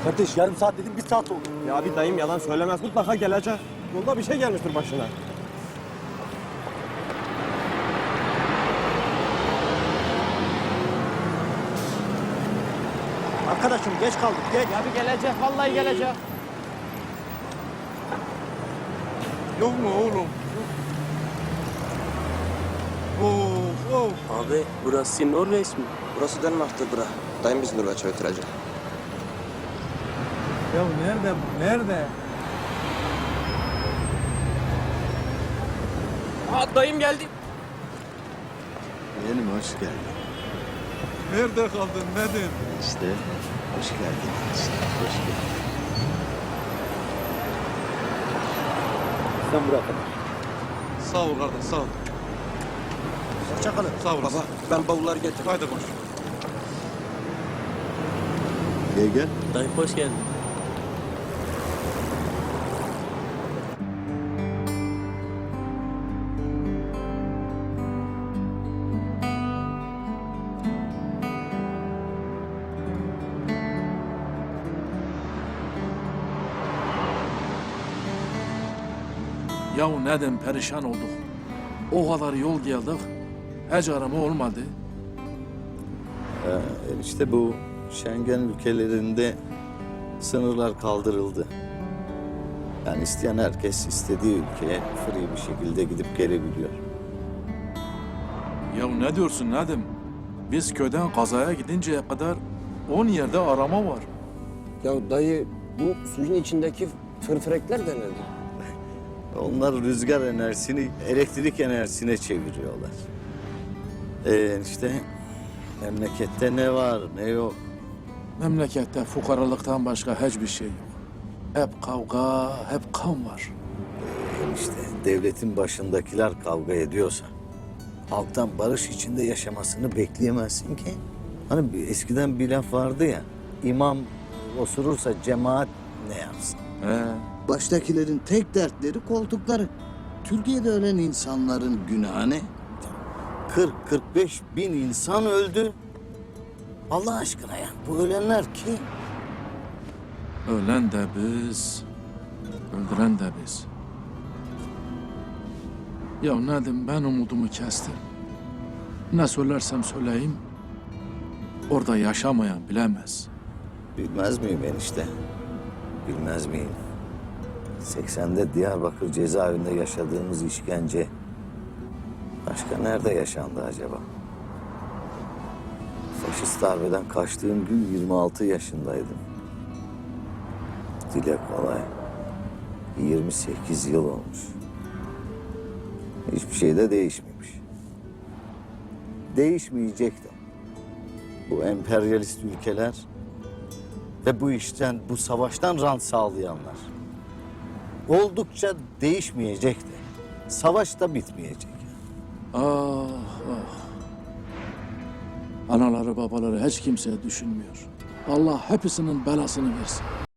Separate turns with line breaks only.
Kardeş yarım saat dedim 1 saat oldu.
Ya bir dayım yalan söylemez, mutlaka gelecek. Yolda bir şey gelmiştir başına.
Arkadaşım geç kaldık geç.
Ya bir gelecek, vallahi gelecek.
Yok mu oğlum? Of of.
Abi burası Norveç mi?
Burası Danimark'tır bura. Dayım bizi Norveç'e götürecek.
Ya nerede bu? Nerede?
Aa dayım geldi.
Benim hoş geldin.
Nerede kaldın? Nedir?
İşte hoş geldin. İşte hoş geldin.
Sen bırak.
Sağ ol kardeş sağ ol.
Hoşça kalın.
Sağ olasın.
Baba, ben bavulları getirdim.
Haydi koş.
Gel gel.
Dayı hoş geldin.
Yahu neden perişan olduk? O kadar yol geldik. Hiç arama olmadı.
İşte bu Schengen ülkelerinde sınırlar kaldırıldı. Yani isteyen herkes istediği ülkeye free bir şekilde gidip gelebiliyor.
Ya ne diyorsun Nedim? Biz köyden kazaya gidinceye kadar 10 yerde arama var.
Ya dayı, bu suyun içindeki fırfırekler de nedir?
Onlar rüzgar enerjisini elektrik enerjisine çeviriyorlar. İşte memlekette ne var ne yok.
Memlekette fukaralıktan başka hiçbir şey yok. Hep kavga, hep kan var.
İşte devletin başındakiler kavga ediyorsa halktan barış içinde yaşamasını bekleyemezsin ki. Hani eskiden bir laf vardı ya, imam osurursa cemaat ne yapsın?
Baştakilerin tek dertleri koltukları. Türkiye'de ölen insanların günahı ne?
40-45 bin insan öldü. Allah aşkına ya, bu ölenler kim?
Ölen de biz, öldüren de biz. Ya Nedim, ben umudumu kestim. Ne söylersem söyleyeyim, orada yaşamayan bilemez.
Bilmez miyim enişte? Bilmez miyim? 80'de Diyarbakır cezaevinde yaşadığımız işkence başka nerede yaşandı acaba? Faşist darbeden kaçtığım gün 26 yaşındaydım. Dile kolay. 28 yıl olmuş. Hiçbir şey de değişmemiş. Değişmeyecek de. Bu emperyalist ülkeler ve bu işten, bu savaştan rant sağlayanlar. Oldukça değişmeyecek de. Savaş da bitmeyecek.
Ah ah. Anaları babaları hiç kimse düşünmüyor. Allah hepsinin belasını versin.